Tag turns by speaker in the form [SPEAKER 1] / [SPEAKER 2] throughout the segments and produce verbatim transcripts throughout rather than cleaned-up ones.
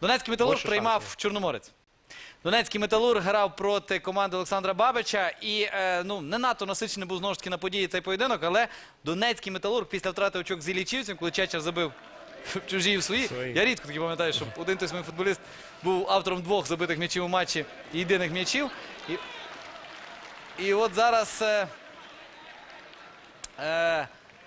[SPEAKER 1] Донецький Металург
[SPEAKER 2] Більше
[SPEAKER 1] приймав
[SPEAKER 2] шансів.
[SPEAKER 1] Чорноморець. Донецький Металург грав проти команди Олександра Бабича і е, ну, не надто насичений був знову ж таки на події цей поєдинок, але Донецький Металург після втрати очок з Іллічівцем, коли Чечер забив в чужі і в свої.
[SPEAKER 2] Свої.
[SPEAKER 1] Я рідко таки пам'ятаю, щоб один той самий футболіст був автором двох забитих м'ячів у матчі і єдиних м'ячів. І, і от зараз е, е,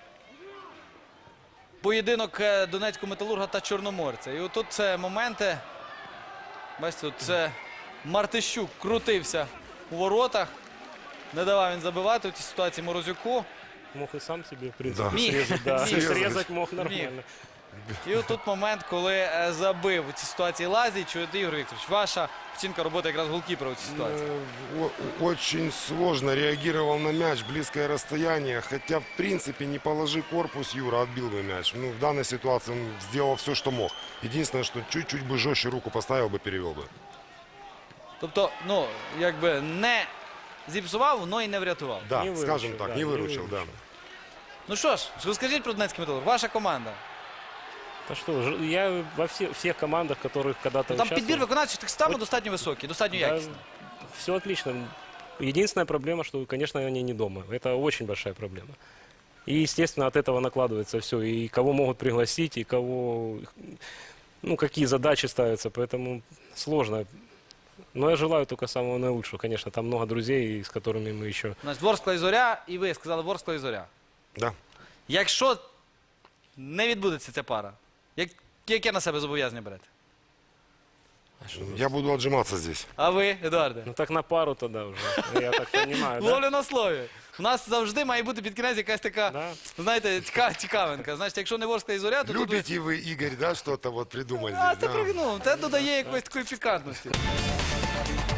[SPEAKER 1] поєдинок е, Донецького Металурга та Чорноморця. І отут це моменти. Бачите, це Мартищук крутився у воротах. Не давав він забивати в цій ситуації Морозюку.
[SPEAKER 2] Мог и сам себе, в принципе,
[SPEAKER 1] Да. Міг.
[SPEAKER 2] срезать. Да.
[SPEAKER 1] Міг.
[SPEAKER 2] Срезать мог нормально.
[SPEAKER 1] І отут момент, коли е, забив у цій ситуації Лазіч. Ігор Вікторович, ваша оцінка роботи якраз голкіпера у цій ситуації.
[SPEAKER 3] Э, о- Очень сложно реагировал на мяч, близкое расстояние. Хотя, в принципе, не положи корпус, Юра отбил бы мяч. Ну, в данной ситуации он сделал все, что мог. Единственное, что чуть-чуть бы жестче руку поставил бы, перевел бы.
[SPEAKER 1] Тобто, ну, якби не зіпсував, але і не врятував.
[SPEAKER 3] Да,
[SPEAKER 2] Не
[SPEAKER 3] скажем
[SPEAKER 2] выручил,
[SPEAKER 3] так,
[SPEAKER 2] да,
[SPEAKER 3] не
[SPEAKER 2] не
[SPEAKER 3] выручил, да.
[SPEAKER 2] выручил.
[SPEAKER 1] Ну що ж, розкажіть про Донецький Металург. Ваша команда.
[SPEAKER 2] Да что, ж- я во все, всех командах, которых когда-то
[SPEAKER 1] Ну, там підбір
[SPEAKER 2] участвовал,
[SPEAKER 1] виконавчих так само достатньо високий, достатньо
[SPEAKER 2] да,
[SPEAKER 1] якісний.
[SPEAKER 2] все отлично. Единственная проблема, что, конечно, они не дома. Это очень большая проблема. И, естественно, от этого накладывается все. И кого могут пригласить, и кого... Ну, какие задачи ставятся. Поэтому сложно. Но я желаю только самого наилучшего. Конечно, там много друзей, с которыми мы еще...
[SPEAKER 1] Значить, Ворскла і Зоря, і ви сказали Ворскла і Зоря.
[SPEAKER 3] Да.
[SPEAKER 1] Якщо не відбудеться ця пара, як, яке на себе зобов'язання берете?
[SPEAKER 3] Я буду отжиматься здесь.
[SPEAKER 1] А ви, Едуарде?
[SPEAKER 2] Ну, так на пару тогда уже. Я так понимаю, да?
[SPEAKER 1] Ловлю на слові. У нас завжди має бути під кінець якась така,
[SPEAKER 2] Да.
[SPEAKER 1] знаєте, ціка, цікавинка. Значить, якщо не Ворскла і Зоря, то тут... ви-
[SPEAKER 3] Любите вы, Игорь, да, что-то вот придумать
[SPEAKER 1] А,
[SPEAKER 3] здесь?
[SPEAKER 1] це
[SPEAKER 3] да?
[SPEAKER 1] трохи, ну, це додає якоїсь такої пікантності.